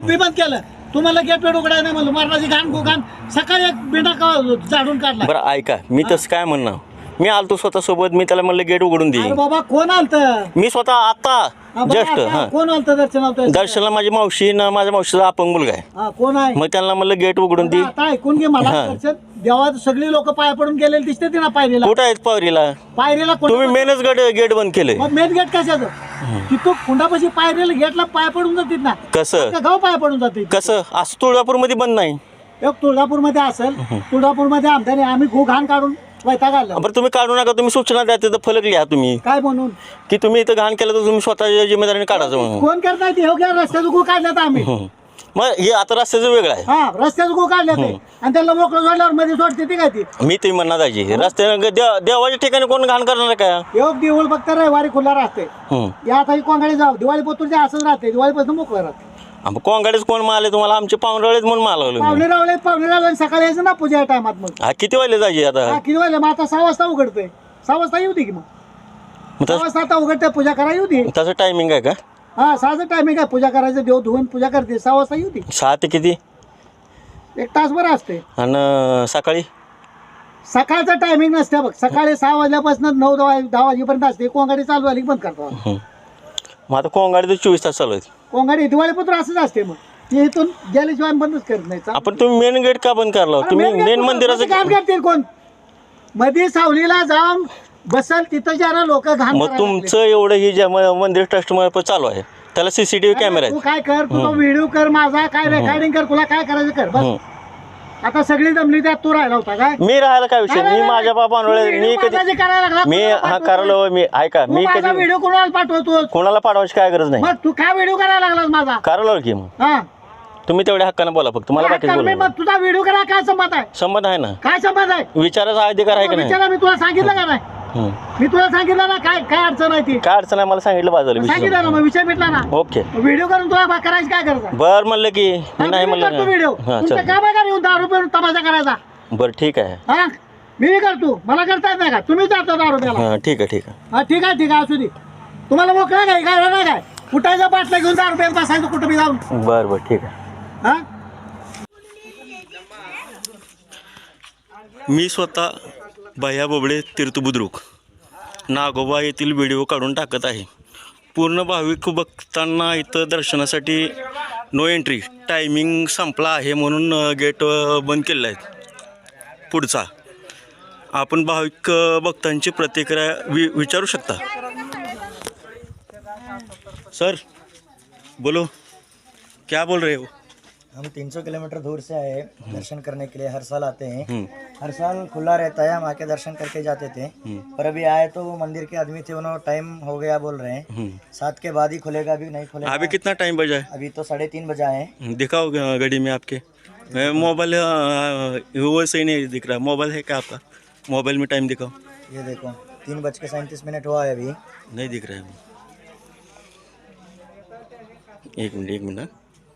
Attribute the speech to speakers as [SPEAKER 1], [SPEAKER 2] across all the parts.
[SPEAKER 1] मी बंद केलं. तुम्हाला गेट वेट उघडायला नाही म्हणलं. मरणाची घाण घाण सकाळी एक बिंडा झाडून काढला.
[SPEAKER 2] बरं ऐका, मी तसं काय म्हणणार, मी आलतो स्वतः सोबत, मी त्याला म्हणलं गेट उघडून दे.
[SPEAKER 1] अरे बाबा कोण आलत?
[SPEAKER 2] मी स्वतः आता जस्ट
[SPEAKER 1] कोण आलत दर्शनाला?
[SPEAKER 2] दर्शनला माझी मावशी ना, माझ्या मावशीचा अपंग मुलगा आहे.
[SPEAKER 1] कोण आहे?
[SPEAKER 2] मग त्यांना म्हणलं गेट उघडून दे.
[SPEAKER 1] आता ऐकून घे मला. दर्शन देवा सगळी लोक पाया पडून गेलेले दिसते ती ना पायरीला.
[SPEAKER 2] कुठं आहेत पायरीला?
[SPEAKER 1] पायरीला
[SPEAKER 2] तुम्ही मेनच गेट बंद केले.
[SPEAKER 1] मेन गेट कशाचं? तिथून खुंडापाशी पायरीला गेटला पाय पडून जातील ना.
[SPEAKER 2] कसं
[SPEAKER 1] गाव पाय पडून जाते.
[SPEAKER 2] कसं असं तुळजापूर मध्ये बंद नाही?
[SPEAKER 1] एक तुळजापूर मध्ये असेल, तुळजापूर मध्ये आमदार आम्ही घाण काढून वैताग आला.
[SPEAKER 2] बरं तुम्ही काढू नका, तुम्ही सूचना द्या, तिथं फलक लिहा तुम्ही
[SPEAKER 1] काय म्हणून
[SPEAKER 2] की तुम्ही इथं घाण केलं तर तुम्ही स्वतःच्या जिम्मेदारीने काढायचं म्हणून.
[SPEAKER 1] कोण करताय ते? रस्त्याचं गो काढल्यात आम्ही.
[SPEAKER 2] मग हे आता रस्त्याचं वेगळं आहे.
[SPEAKER 1] हा रस्त्याचं गो काढल्यात आणि त्याला मोकळं सोडल्यावर मध्ये सोडते ती काय ती.
[SPEAKER 2] मी तुम्ही म्हणणार दाजी रस्त्याने देवाच्या ठिकाणी कोण घाण करणार का?
[SPEAKER 1] योग देऊळ फक्त रविवारी खुला राहते. या आता कोंगाडी जाऊ दिवाळी पोतून असंच राहते. दिवाळीपासून मोकळं राहते.
[SPEAKER 2] कोंगाडीच कोण मारले तुम्हाला? आमचे पाहुणरावळेच म्हणून मारवलं.
[SPEAKER 1] पाहुणे रावले सकाळी यायचं ना पूजा टायमात. मग
[SPEAKER 2] हा किती वाजले दाजी आता?
[SPEAKER 1] किती वाजले? मग आता 6 वाजता उघडतोय. 6 वाजता येऊ दे की. मग 6 वाजता आता उघडते पूजा करायला येऊ दे.
[SPEAKER 2] तसं टायमिंग आहे का?
[SPEAKER 1] हा 6चं टायमिंग आहे. पूजा करायचं देव धुवून पूजा करते. 6 वाजता येऊ दे.
[SPEAKER 2] 6 ते किती?
[SPEAKER 1] 1 तास बरं असते.
[SPEAKER 2] आणि सकाळी
[SPEAKER 1] सकाळचं टायमिंग नसते बघ. सकाळी 6 वाजल्यापासून 9-10 वाजेपर्यंत असते. कोंगाडी चालू आली की बंद करतो.
[SPEAKER 2] मग आता कोंगाडी तर 24 तास चालू आहे.
[SPEAKER 1] कोंगाडी दिवाळीपत्र असंच असते. मग ते इथून गेल्याशिवाय बंदच करत नाही.
[SPEAKER 2] आपण तुम्ही मेन गेट का बंद करला? तुम्ही मेन मंदिराचं
[SPEAKER 1] काम करतील कोण? मध्ये सावलीला जाऊन बसल तिथं जरा लोक घाण.
[SPEAKER 2] मग तुमचं एवढं ही जे मंदिर ट्रस्ट चालू आहे त्याला सीसीटीव्ही कॅमेरा
[SPEAKER 1] तू
[SPEAKER 2] आहे.
[SPEAKER 1] काय कर, तू व्हिडिओ कर माझा, काय रेकॉर्डिंग कर, तुला काय करायचं कर बस. आता सगळी जमली त्यात तू राहिला होता काय?
[SPEAKER 2] मी राहायला काय विषय? मी माझ्या बापांमुळे मी कधी मी हा करायला मी ऐका मी कधी
[SPEAKER 1] व्हिडिओ कोणाला पाठवतो?
[SPEAKER 2] कोणाला पाठवायची काय गरज नाही.
[SPEAKER 1] मग तू काय व्हिडिओ करायला लागलास माझा?
[SPEAKER 2] करायला की मग
[SPEAKER 1] हा
[SPEAKER 2] तुम्ही तेवढ्या हक्कानं बोला फक्त, मला बाकीच बोला.
[SPEAKER 1] मग तुझा व्हिडिओ करा काय संबंध आहे?
[SPEAKER 2] संबंध आहे ना,
[SPEAKER 1] काय संबंध आहे?
[SPEAKER 2] विचाराचा अधिकार आहे का नाही?
[SPEAKER 1] विचारा, मी तुला सांगितलं का नाही? मी तुला सांगितलं ना काय काय अडचण आहे ती.
[SPEAKER 2] काय अडचण आहे मला सांगितलं बाजूला.
[SPEAKER 1] सांगितलं ना, मग विषय मिटला ना.
[SPEAKER 2] ओके
[SPEAKER 1] व्हिडिओ करून तुला करायची काय गरज आहे?
[SPEAKER 2] बर म्हणलं की मी नाही म्हणलं
[SPEAKER 1] व्हिडिओ तुमचं काम आहे का येऊन दारू पिऊन तमाशा करायचा?
[SPEAKER 2] बरं ठीक आहे.
[SPEAKER 1] हा मी करतो, मला करता येत नाही का? तुम्ही जाता दारू प्यायला.
[SPEAKER 2] हां ठीक आहे ठीक आहे.
[SPEAKER 1] हा ठीक आहे ठीक आहे असू दे. तुम्हाला मोकळा काय काय नाही काय कुठायचा बाटला घेऊन दारू प्यायला बसायचं कुठं बी जाऊन.
[SPEAKER 2] बरं बरं ठीक आहे.
[SPEAKER 1] हा
[SPEAKER 2] मी स्वतः भैया बोबडे तीर्थबुद्रुक नागोबा येथील व्हिडिओ काढून टाकत आहे. पूर्ण भाविक भक्तांना इथं दर्शनासाठी नो एंट्री, टायमिंग संपला आहे म्हणून गेट बंद केलेला आहे पुढचा. आपण भाविक भक्तांची प्रतिक्रिया विचारू शकता. सर बोलो, क्या बोल रहे हो?
[SPEAKER 3] हम 300 किलोमीटर दूर से आए दर्शन करने के लिए, हर साल आते हैं, हर साल खुला रहता है, हम आके दर्शन करके जाते थे। पर अभी आए तो वो मंदिर के आदमी थे, उन्होंने टाइम हो गया बोल रहे हैं, 7 के बाद ही खुलेगा, अभी नहीं खुलेगा।
[SPEAKER 2] अभी कितना टाइम बजा है?
[SPEAKER 3] अभी तो 3:30 बजा है।
[SPEAKER 2] दिखाओ घड़ी में आपके। मोबाइल वो सही नहीं दिख रहा, मोबाइल है क्या आपका? मोबाइल में टाइम दिखाओ।
[SPEAKER 3] ये देखो 3:37 हुआ है, अभी
[SPEAKER 2] नहीं दिख रहा है। एक मिनट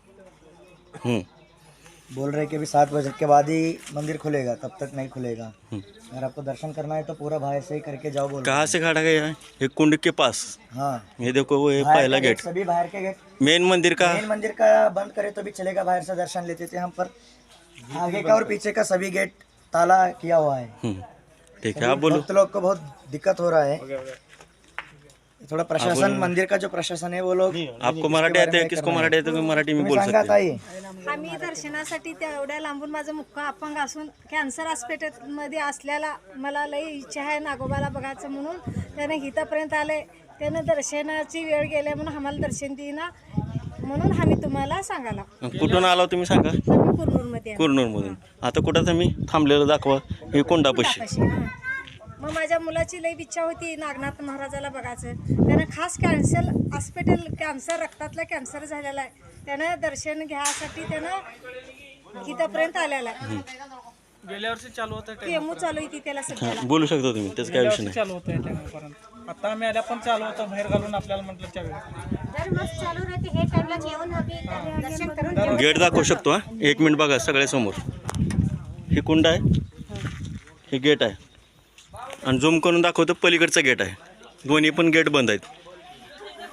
[SPEAKER 3] बोल रहे कि अभी 7 बजे के बाद ही मंदिर खुलेगा, तब तक नहीं खुलेगा। अगर आपको दर्शन करना है तो पूरा बाहर से ही करके जाओ बोल।
[SPEAKER 2] कहाँ से खड़ा गया है? ये कुंड के पास।
[SPEAKER 3] हाँ
[SPEAKER 2] ये देखो वो है
[SPEAKER 3] बाहर
[SPEAKER 2] पहला
[SPEAKER 3] का
[SPEAKER 2] गेट,
[SPEAKER 3] सभी बाहर के गेट।
[SPEAKER 2] मेन मंदिर का।
[SPEAKER 3] मेन मंदिर का बंद करे तो भी चलेगा, बाहर से दर्शन लेते थे हम, पर आगे का और पीछे का सभी गेट ताला किया हुआ है।
[SPEAKER 2] ठीक है आप बोलो।
[SPEAKER 3] भक्त लोग को बहुत दिक्कत हो रहा है। थोड़ा प्रशासन, मंदिर का जो प्रशासन है वो लोग।
[SPEAKER 2] आपको मराठी आते हैं? किसको मराठी आते है? मराठी में बोल सकते हैं।
[SPEAKER 4] आम्ही दर्शनासाठी तेवढ्या लांबून, माझं मुक्का अपंग असून कॅन्सर हॉस्पिटलमध्ये असल्याला मला लई इच्छा आहे नागोबाला बघायचं म्हणून त्याने इथंपर्यंत आले. त्यानं दर्शनाची वेळ गेल्या म्हणून आम्हाला दर्शन देईना, म्हणून आम्ही तुम्हाला सांगायला.
[SPEAKER 2] कुठून आलो तुम्ही सांगा?
[SPEAKER 4] आम्ही कुरनूरमध्ये आहे.
[SPEAKER 2] कुरनूरमधून. आता कुठं तुम्ही थांबलेलं दाखवा. हे कोंडापाशी.
[SPEAKER 4] तापाशी, हां. मग माझ्या मुलाची लई इच्छा होती नागनाथ महाराजाला बघायचं. त्यानं खास कॅन्सर हॉस्पिटल, कॅन्सर रक्तातला कॅन्सर झालेला आहे, त्यानं दर्शन घ्यायसाठी त्यानं इथंपर्यंत आलेला आहे.
[SPEAKER 5] गेल्या वर्षी चालू होतं,
[SPEAKER 4] केमो चालू होती त्याला सध्याला.
[SPEAKER 2] बोलू शकता तुम्ही, त्याचं काय विषय नाही.
[SPEAKER 5] चालू होतं टायमापर्यंत. आता आम्ही आल्या पण चालू होतं, बाहेर घालून आपल्याला म्हटलं त्यावेळी
[SPEAKER 4] चालू राहते हे टाइमला जेवण दर्शन करून
[SPEAKER 2] गेट दाखवू शकतो. हा 1 मिनिट बघा सगळ्यासमोर. हे कुंड आहे, हे गेट आहे, आणि झूम करून दाखवतो पलीकडचा गेट आहे. दोन्ही पण गेट बंद आहेत.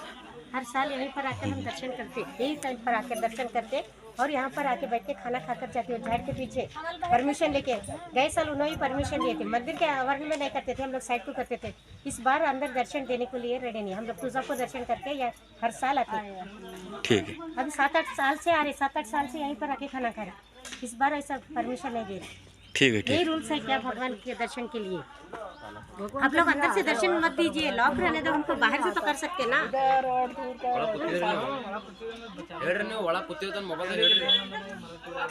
[SPEAKER 6] हर साल यहीं पर आकर हम दर्शन करते, यही टाइम पर आकर दर्शन करते और यहाँ पर आके बैठ के खाना खाकर जाते हो। झाड़ के पीछे परमिशन लेके गए साल उन्होंने परमिशन लिए थे, मंदिर के आवरण में नहीं करते थे, हम लोग साइड को करते थे। इस बार अंदर दर्शन देने के लिए रेडी नहीं, हम लोग तुळजापुर दर्शन करके या हर साल आते हैं।
[SPEAKER 2] ठीक है,
[SPEAKER 6] अभी 7-8 साल से आ रहे, 7-8 साल से यहीं पर आके खाना खा रहे। इस बार ऐसा परमिशन नहीं दे रहे।
[SPEAKER 2] ठीक है, ठीक
[SPEAKER 6] यही रूल्स है क्या भगवान के दर्शन के लिए? आप लोग अंदर से दर्शन मत दीजिए, लॉक रहने दो, उनको बाहर से तो कर सकते ना।
[SPEAKER 7] ಹೇಳ್ರಿ ನೀವು ಒಳಗೆ ಕೂತಿರ್ತಾನೆ ಮೊಬೈಲ್